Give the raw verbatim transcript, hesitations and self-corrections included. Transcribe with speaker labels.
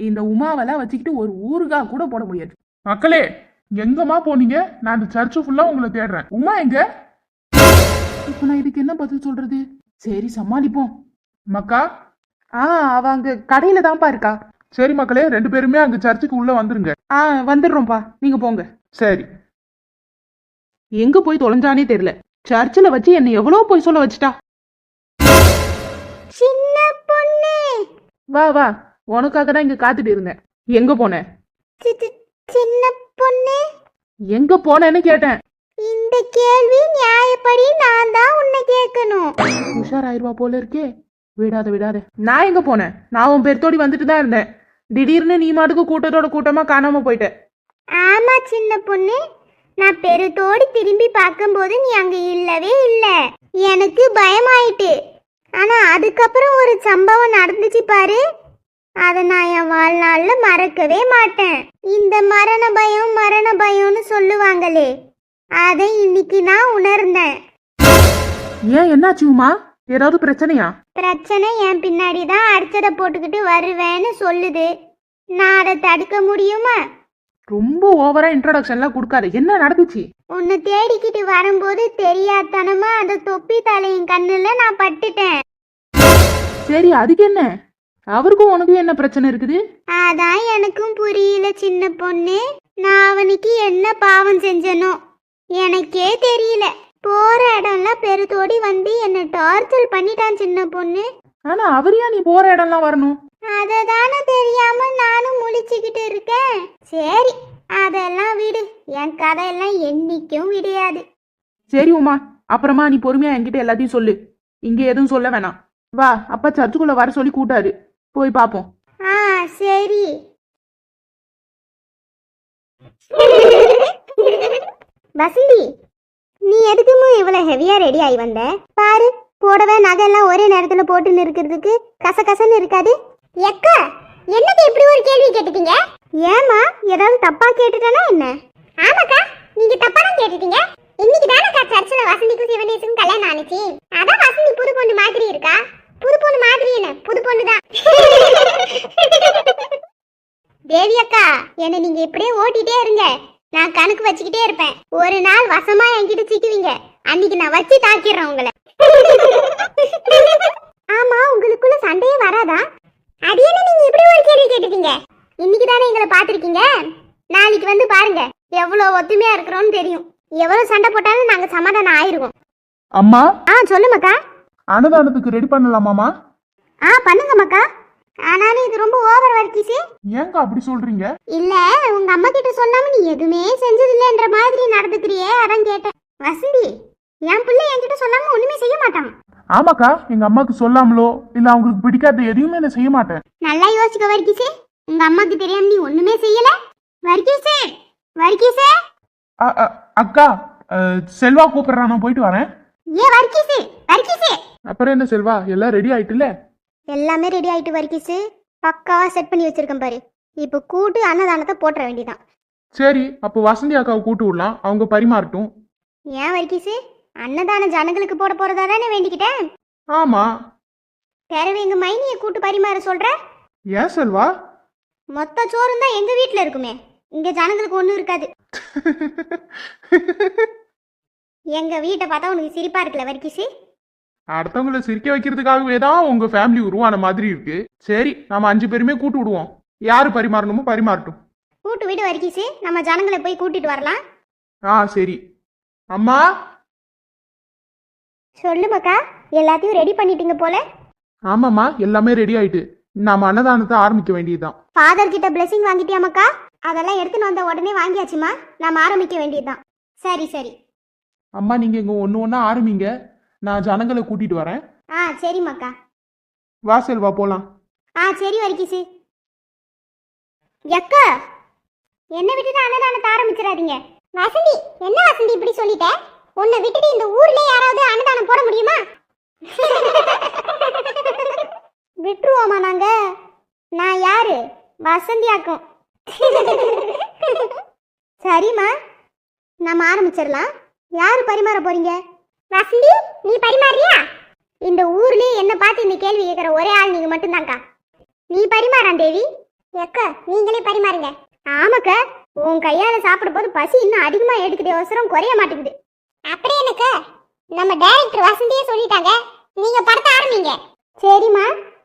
Speaker 1: இந்த உமாவெல்லாம் வச்சுக்கிட்டு ஒரு ஊருகா கூட போட முடியாது.
Speaker 2: மக்களே, எங்கம்மா போனீங்க? நான் இந்த சர்ச்சு ஃபுல்லா உங்களை தேடுறேன். உமா எங்க?
Speaker 1: இப்ப நான் இதுக்கு என்ன பதில் சொல்றது? சரி சமாளிப்போம்.
Speaker 2: மக்கா?
Speaker 1: ஆ அவ அங்க கடையில தான்ப்பா இருக்கா.
Speaker 2: சரி மக்களே, ரெண்டு பேருமே அங்க சர்ச்சுக்கு உள்ள வந்துருங்க.
Speaker 1: ஆ வந்துடுறோம்ப்பா, நீங்க போங்க.
Speaker 2: சரி.
Speaker 1: எங்க போய் தொலைஞ்சானே தெரியல. சர்ச்சில் வச்சு என்ன எவ்வளவு போய் சொல்ல வச்சுட்டா.
Speaker 3: சின்ன பொண்ணு,
Speaker 1: வா வா, உனக்காக தான் இங்க காத்துட்டு இருந்தேன். எங்க போன?
Speaker 3: சின்ன பொண்ணு,
Speaker 1: எங்க போனேன்னு கேட்டேன்.
Speaker 3: இந்த கேள்வி நியாயப்படி நான் தான் உன்னை கேட்கணும்.
Speaker 1: உஷாராயிருவா போல இருக்கே. விடாத விடாத. நான் எங்க போனேன்? நான் உன் பெருத்தோடி வந்துட்டு தான் இருந்தேன். திடீர்னு நீ மாட்டுக்கு கூட்டத்தோட கூட்டமா காணாம போயிட்ட.
Speaker 3: ஆமா சின்ன பொண்ணு, நான் பெருத்தோடி திரும்பி பார்க்கும்போது நீ அங்க இல்லவே இல்ல. எனக்கு பயமாயிட்டு. ஆனா அதுக்கப்புறம் ஒரு சம்பவம் நடந்துச்சு பாரு, அதை நான் என் வாழ்நாள்ல மறக்கவே மாட்டேன். இந்த மரண பயம் மரண பயம்னு சொல்லுவாங்களே, அதை இன்னைக்கு நான் உணர்ந்தேன்.
Speaker 1: ஏன் என்னாச்சு உமா? ஏதாவது பிரச்சனையா?
Speaker 3: பிரச்சனை என் பின்னாடி தான் அடிச்சதை போட்டுக்கிட்டு வருவேன்னு சொல்லுது. நான் அதை தடுக்க முடியுமா?
Speaker 1: ரொம்ப ஓவரா இன்ட்ரோடக்ஷன்லாம் கொடுக்காத. என்ன நடந்துச்சு?
Speaker 3: உன்னை தேடிக்கிட்டு வரும்போது தெரியாதனமா அந்த தொப்பி தலையின் கண்ணுல நான் பட்டுட்டேன்.
Speaker 1: சரி, அதுக்கு என்ன? அவருக்கும் உனக்கும் என்ன பிரச்சனை இருக்குது?
Speaker 3: அதான் எனக்கும் புரியல சின்ன பொண்ணு. நான் அவனுக்கு என்ன பாவம் செஞ்சனோ எனக்கே தெரியல. போற இடம்லாம் பெருத்தோடி வந்து என்ன டார்ச்சர் பண்ணிட்டான் சின்ன பொண்ணு.
Speaker 1: ஆனா அவரையா நீ போற இடம்லாம் வரணும்?
Speaker 3: அததானே தெரியாம நானும் முழிச்சுக்கிட்டு இருக்கேன். சரி, அதெல்லாம் விடு. என் கதையெல்லாம் என்னைக்கும் விடையாது.
Speaker 1: சரி உமா, அப்புறமா நீ பொறுமையா என்கிட்ட எல்லாத்தையும் சொல்லு. இங்க எதுவும் சொல்ல வேணாம். வா, அப்பா சர்ச்சுக்குள்ள வர சொல்லி கூட்டாரு. போய் பாப்போம்.
Speaker 3: ஆ சரி. வசந்தி, நீ எதுக்குமே இவ்வளவு ஹெவியா ரெடி ஆகி வந்த? பாரு, போடவே நகையெல்லாம் ஒரே நேரத்துல போட்டு இருக்கிறதுக்கு கசகசன்னு இருக்காது. எக்கா, என்னது இப்படி ஒரு கேள்வி கேட்டுட்டீங்க? ஏமா, ஏதாவது தப்பா கேட்டுட்டேனா என்ன? ஆமாக்கா, நீங்க தப்பா தான் கேட்டுட்டீங்க. இன்னைக்கு தானக்கா சர்ச்சில் வசந்திக்கும் சிவனேசுக்கும் கல்யாணம் ஆனிச்சு. அதான் வசந்தி புது பொண்ணு மாதிரி இருக்கா. புது பொண்ணு மாதிரி என்ன, புது பொண்ணு தான். தேவி அக்கா, என்ன நீங்க இப்படியே ஓட்டிட்டே இருங்க. நான் கணக்கு வச்சுக்கிட்டே இருப்பேன். ஒரு நாள் வசமா என்கிட்ட சிக்குவீங்க. அன்னைக்கு நான் வச்சு தாக்கிடுறேன் உங்களை. ஆமா, உங்களுக்குள்ள சண்டையே வராதா? அது என்ன நீங்க இப்படி ஒரு கேள்வி கேட்டுட்டீங்க? இன்னைக்கு தானே எங்களை பாத்திருக்கீங்க. நாளைக்கு வந்து பாருங்க, எவ்வளவு ஒத்துமையா இருக்கிறோம்னு தெரியும். எவ்வளவு சண்டை போட்டாலும் நாங்க சமாதானம் ஆயிருவோம்.
Speaker 2: அம்மா.
Speaker 3: ஆ சொல்லு மக்கா.
Speaker 2: அன்னதானத்துக்கு ரெடி பண்ணலாமாமா?
Speaker 3: ஆ பண்ணுங்க மக்கா. ஆனாலும் இது ரொம்ப ஓவர் வர்க்கிச்சு.
Speaker 2: ஏங்க அப்படி சொல்றீங்க?
Speaker 3: இல்ல, உங்க அம்மா கிட்ட சொல்லாம நீ எதுவுமே செஞ்சதில்லைன்ற மாதிரி நடந்துக்கிறியே, அதான் கேட்டேன். வசந்தி, என் பிள்ளை என்கிட்ட சொல்லாம ஒண்ணுமே செய்ய மாட்டான்.
Speaker 2: ஆமாக்கா, எங்க அம்மாக்கு சொல்லாமலோ இல்ல அவங்களுக்கு பிடிக்காத எதையுமே நான் செய்ய மாட்டேன்.
Speaker 3: நல்லா யோசிக்க வர்க்கிச்சு. உங்க அம்மாக்கு தெரியாம நீ ஒண்ணுமே செய்யல. வர்க்கிச்சு, வர்க்கிச்சு.
Speaker 2: அக்கா, செல்வா கூப்பிடுறா, நான் போயிட்டு வரேன்.
Speaker 3: ஏ வர்க்கிச்சு, வர்க்கிச்சு.
Speaker 2: அப்புறம் என்ன செல்வா, எல்லாம் ரெடி ஆயிட்டுல?
Speaker 3: எல்லாமே ரெடி ஆயிட்டு வர்க்கிச்சு. பக்காவா செட் பண்ணி வச்சிருக்கேன் பாரு. இப்போ கூட்டு அன்னதானத்தை போட்டுற வேண்டியதான்.
Speaker 2: சரி, அப்போ வசந்தி அக்காவை கூட்டு விடலாம், அவங்க பரிமாறட்டும்.
Speaker 3: ஏன் வர்க்கிச்சு, அன்னதான ஜனங்களுக்கு போட போறதா தானே வேண்டிக்கிட்டேன்.
Speaker 2: ஆமா.
Speaker 3: பிறவு எங்க மைனிய கூட்டு பரிமாற சொல்ற?
Speaker 2: ஏன் செல்வா?
Speaker 3: மொத்த சோறும் தான் எங்க வீட்டுல இருக்குமே, இங்க ஜனங்களுக்கு ஒண்ணும் இருக்காது. எங்க வீட்டை பார்த்தா உனக்கு சிரிப்பா இருக்குல்ல வர்க்கிச்சு?
Speaker 2: அடுத்தவங்களை சிரிக்க வைக்கிறதுக்காகவே தான் உங்க ஃபேமிலி உருவான மாதிரி இருக்கு. சரி, நாம அஞ்சு பேருமே கூட்டு விடுவோம். யாரு பரிமாறணுமோ பரிமாறட்டும்.
Speaker 3: கூட்டு வீடு வர்க்கிச்சு, நம்ம ஜனங்களை போய் கூட்டிட்டு வரலாம்.
Speaker 2: ஆ சரி. அம்மா.
Speaker 3: சொல்லு மக்கா, எல்லாத்தையும் ரெடி பண்ணிட்டீங்க போல.
Speaker 2: ஆமாம்மா, எல்லாமே ரெடி ஆயிட்டு. நாம அன்னதானத்தை ஆரம்பிக்க வேண்டியதுதான்.
Speaker 3: ஃபாதர் கிட்ட பிளெஸிங் வாங்கிட்டியா மக்கா? அதெல்லாம் எடுத்துன்னு வந்த உடனே வாங்கியாச்சுமா, நாம ஆரம்பிக்க வேண்டியதுதான். சரி சரி.
Speaker 2: அம்மா, நீங்க இங்க ஒண்ணு ஒண்ணா ஆரம்பிங்க, நான் ஜனங்களை கூட்டிட்டு வரேன்.
Speaker 3: ஆ சரி மக்கா.
Speaker 2: வா செல்வா, போலாம்.
Speaker 3: ஆ சரி வர்க்கிச்சு. எக்கா, என்ன விட்டுட்டு அன்னதானத்தை ஆரம்பிச்சிடாதீங்க. வசந்தி, என்ன வசந்தி இப்படி சொல்லிட்ட? உன்னை விட்டுட்டு இந்த ஊர்ல யாராவது அன்னதானம் போட முடியுமா? விட்டுருவோமா நாங்க? நான் யாரு? வசந்தி ஆக்கும். சரிம்மா, நம்ம ஆரம்பிச்சிடலாம். யாரு பரிமாற போறீங்க? வசந்தி, நீ பரிமாறியா? இந்த ஊர்லயே என்ன பார்த்து இந்த கேள்வி கேட்கிற ஒரே ஆள் நீங்க மட்டும்தான்க்கா. நீ பரிமாறான் தேவி. எக்க நீங்களே பரிமாறுங்க. ஆமாக்க, உன் கையால சாப்பிடும் போது பசி இன்னும் அதிகமா எடுக்குது, அவசரம் குறைய மாட்டேங்குது. அப்படியே எனக்கு நம்ம டைரக்டர் வசந்தியே சொல்லிட்டாங்க, நீங்க படத்தை ஆரம்பிங்க. சரிம்மா,